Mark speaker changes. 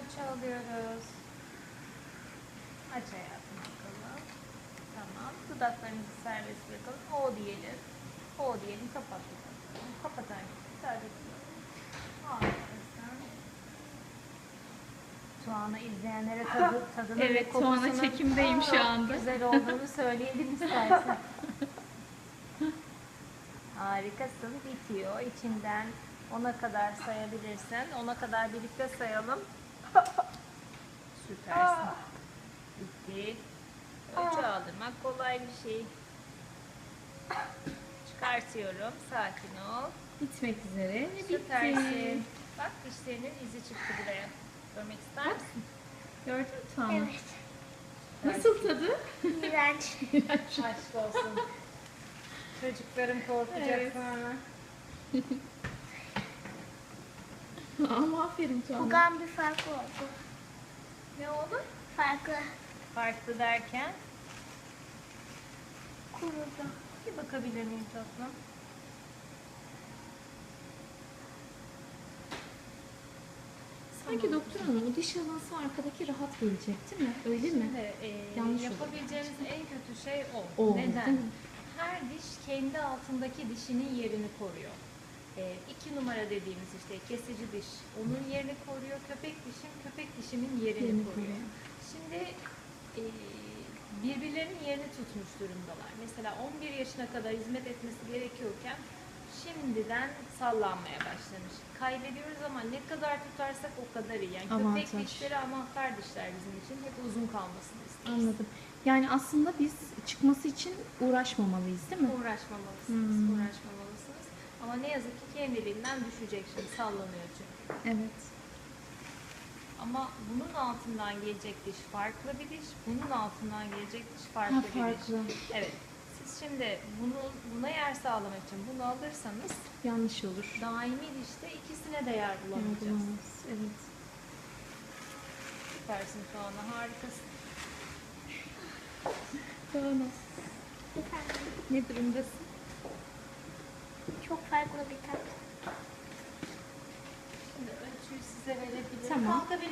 Speaker 1: ölçü alıyoruz. Aç hayatım bakalım. Tamam. Dudaklarınızı serbest bırakalım. O diyelim. O diyelim. Kapat dudaklarını. Kapat anneciğim. Serbest bırakalım. Harikasın. Tuana izleyenlere tadını ve
Speaker 2: Evet,
Speaker 1: kokusunu
Speaker 2: Tuana çekimdeyim şu anda.
Speaker 1: güzel olduğunu söyleyelim istersen. Harikasın. Bitiyor. İçinden 10'a kadar sayabilirsen. 10'a kadar birlikte sayalım. Süpersin. Bitti. Ölçü aldırmak kolay bir şey. Çıkartıyorum. Sakin ol.
Speaker 2: Bitmek üzere ve bitti.
Speaker 1: Süpersin. Bak dişlerinin izi çıktı buraya. Görmek ister misin?
Speaker 2: Gördün mü Tuana?
Speaker 3: Evet.
Speaker 2: Nasıl tadı?
Speaker 3: İğrenç.
Speaker 1: Aşk olsun. Çocuklarım korkacak
Speaker 2: Evet.
Speaker 1: sonra.
Speaker 2: Ama aferin Tuana.
Speaker 3: Kokan bir fark oldu.
Speaker 1: Ne oldu?
Speaker 3: Farklı.
Speaker 1: Farklı derken.
Speaker 3: Kurudu.
Speaker 1: Bir bakabilir miyim tatlım?
Speaker 2: Sanki doktor hanım o diş alansı arkadaki rahat gelecek değil mi? Öyle mi?
Speaker 1: Şimdi,
Speaker 2: Yanlış oldu.
Speaker 1: yapabileceğimiz en kötü şey o.
Speaker 2: O,
Speaker 1: Neden?
Speaker 2: değil mi?
Speaker 1: Her diş kendi altındaki dişinin yerini koruyor. 2 numara dediğimiz işte kesici diş onun yerini koruyor. Köpek dişim köpek dişimin yerini
Speaker 2: Yerini
Speaker 1: koruyor.
Speaker 2: koruyor.
Speaker 1: Şimdi birbirlerinin yerini tutmuş durumdalar. Mesela 11 yaşına kadar hizmet etmesi gerekiyorken şimdiden sallanmaya başlamış. Kaybediyoruz ama ne kadar tutarsak o kadar iyi. Yani köpek
Speaker 2: Avantaj.
Speaker 1: dişleri anahtar dişler bizim için. Hep uzun kalmasını isteriz.
Speaker 2: Anladım. Yani aslında biz çıkması için uğraşmamalıyız değil mi?
Speaker 1: Uğraşmamalısınız, uğraşmamalısınız. Ama ne yazık ki kendiliğinden düşecek şimdi, sallanıyor çünkü.
Speaker 2: Evet.
Speaker 1: Ama bunun altından gelecek diş farklı bir diş, bunun altından gelecek diş farklı bir
Speaker 2: farklı.
Speaker 1: diş. Evet. Siz şimdi buna yer sağlamak için bunu alırsanız
Speaker 2: Yanlış olur.
Speaker 1: daimi dişte ikisine de yer bulamayacağız.
Speaker 2: Yardım evet.
Speaker 1: Süpersin Tuana, harikasın.
Speaker 2: Tuana.
Speaker 3: Efendim,
Speaker 2: Ne durumdasın?
Speaker 3: çok farklı bir tat.
Speaker 1: Şimdi ölçüyü size verebilirim.
Speaker 2: Tamam.
Speaker 1: Kalkabilir